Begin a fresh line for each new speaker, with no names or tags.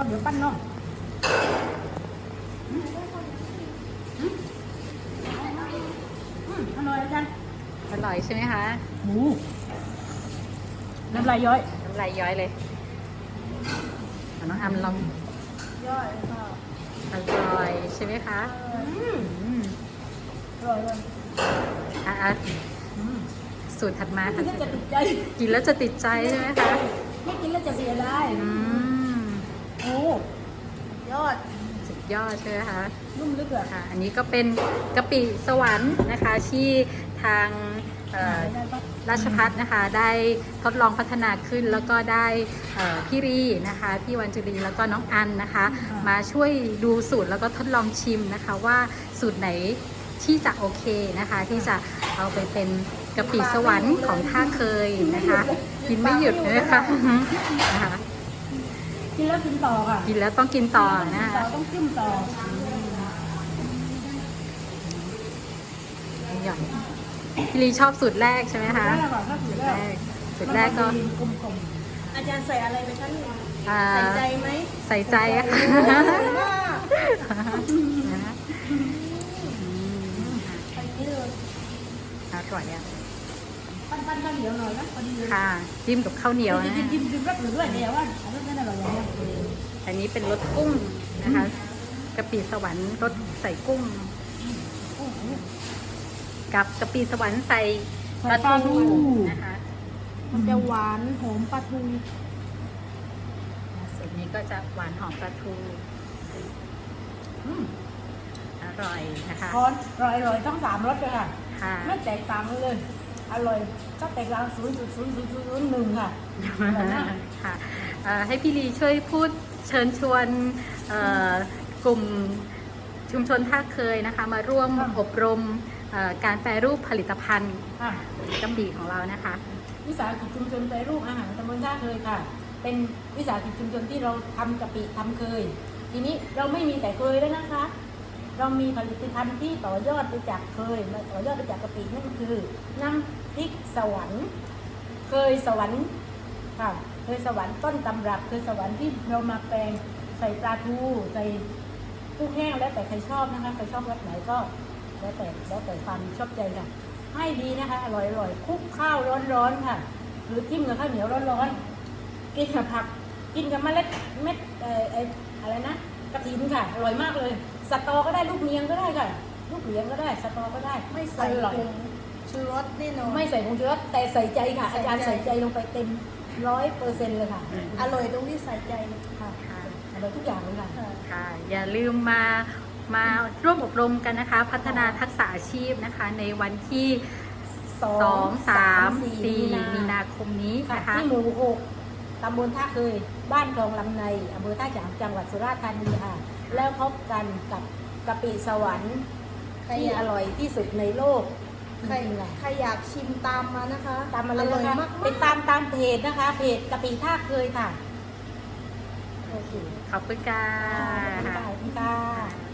เดี๋ยวปั้นเนาะอร่อยอาจารย์
อร่อยใช่ไหมคะ
หมูน้ำลายย้อย
น้ำลายย้อยเลยน้องอำลอง
ย่อยค่ะ
อร่อยใช่ไหมคะ
อร่อยเลย
สูตรถัดมาค่ะ
กินแล้วจะติดใจ
กินแล้วจะติดใจใช่ไหมคะ
ไม่กินแล้วจะเสียได้โอ้ยอด
สุดยอดใช่ไหมคะ
นุ่มลึกอะ
ค่ะอันนี้ก็เป็นกะปิสวรรค์นะคะที่ทางราชภัฏนะคะได้ทดลองพัฒนาขึ้นแล้วก็ได้พี่รีนะคะพี่วันจุรีแล้วก็น้องอันนะคะมาช่วยดูสูตรแล้วก็ทดลองชิมนะคะว่าสูตรไหนที่จะโอเคนะคะที่จะเอาไปเป็นกะปิสวรรค์ของท่าเคยนะคะกินไม่หยุดเลยค่ะนะคะ
กินแล้วกินต่อค่ะ
กินแล้วต้องกินต่อนะคะ
ต้องจิ้มต่อ
หย่อนพี่ลีชอบสูตรแรกใช่ไหมคะสูตรแรกก็
อาจารย์ใส่อะไรไปคะใส่ใจไหม
ใส่ใจอะค่ะอร่อยอ่ะ
ปั้นข้าวเหนียวหน่อยนะพอดี
ค่ะจิ้มกับข้าวเหนียวนะ
จิ้มรสหรือด้วยเนี่ยว่าอันนั้นอร่อยอย่างเงี้ย
อันนี้เป็นรสกุ้งนะคะกะปิสวรรค์รสใส่กุ้งกับกะปิสวรรค์ใส่ปลาทูนะคะ
มันจะหวานหอมปลาทู
ส่วนนี้ก็จะหวานหอมปลาทูอร่อยนะคะ
อร่อยต้อง3 รสเลยค่ะไม่แตกต่างเลยอร่อยก็แตกต่าง0.0001ค่ะ
ค่ะให้พี่ลีช่วยพูดเชิญชวนกลุ่มชุมชนท่าเคยนะคะมาร่วมอบรมการแปรรูปผลิตภัณฑ์กะปิของเรานะคะ
วิสาหกิจชุมชนแปรรูปอาหารตำบลท่าเคยค่ะเป็นวิสาหกิจชุมชนที่เราทำกะปิทำเคยทีนี้เราไม่มีแต่เคยแล้วนะคะเรามีผลิตภัณฑ์ที่ต่อยอดไปจากเคยมาต่อยอดไปจากกะปินั่นคือน้ำพริกสวรรค์เคยสวรรค์ค่ะเคยสวรรค์ต้นตำรับเคยสวรรค์ที่เรามาแปลงใส่ปลาทูใส่กุ้งแห้งแล้วแต่ใครชอบนะคะใครชอบรสไหนก็แล้วแต่ความชอบใจค่ะให้ดีนะคะอร่อยคลุกข้าวร้อนๆค่ะหรือจิ้มกับข้าวเหนียวร้อนๆกินกับผักกินกับเม็ดอะไรนะกระถินค่ะอร่อยมากเลยสตอก็ได้ลูกเนียงก็ได้ค่ะลูกเหลียงก็ได้สตอก็ได้
ไม่ใส่ผงชูรสแน่นอน
ไม่ใส่ผงชูรสแต่ใส่ใจค่ะอาจารย์ใส่ใจลงไปเต็ม100%เลยค่ะ
อร่อยตรงที่ใส่ใจ
ค่ะอร่อยทุกอย่างเลยค่ะ
ค่ะอย่าลืมมาร่วมอบรมกันนะคะพัฒนาทักษะอาชีพนะคะในวันที่2, 3, 4 มีนาคมนี้นะคะ
ที่หมู่6ตำบลท่าเคยบ้านคลองลำในอำเภอท่าฉางจังหวัดสุราษฎร์ธานีค่ะแล้วพบกันกับกะปิสวรรค์ที่อร่อยที่สุดในโลก
ใครอยากชิมตามมานะคะ
ตามมาเลยนะคะเป็นตามเพจนะคะเพจกะปิท่าเคยค่ะ
ขอบคุณค่ะ
ขอบคุณค่ะ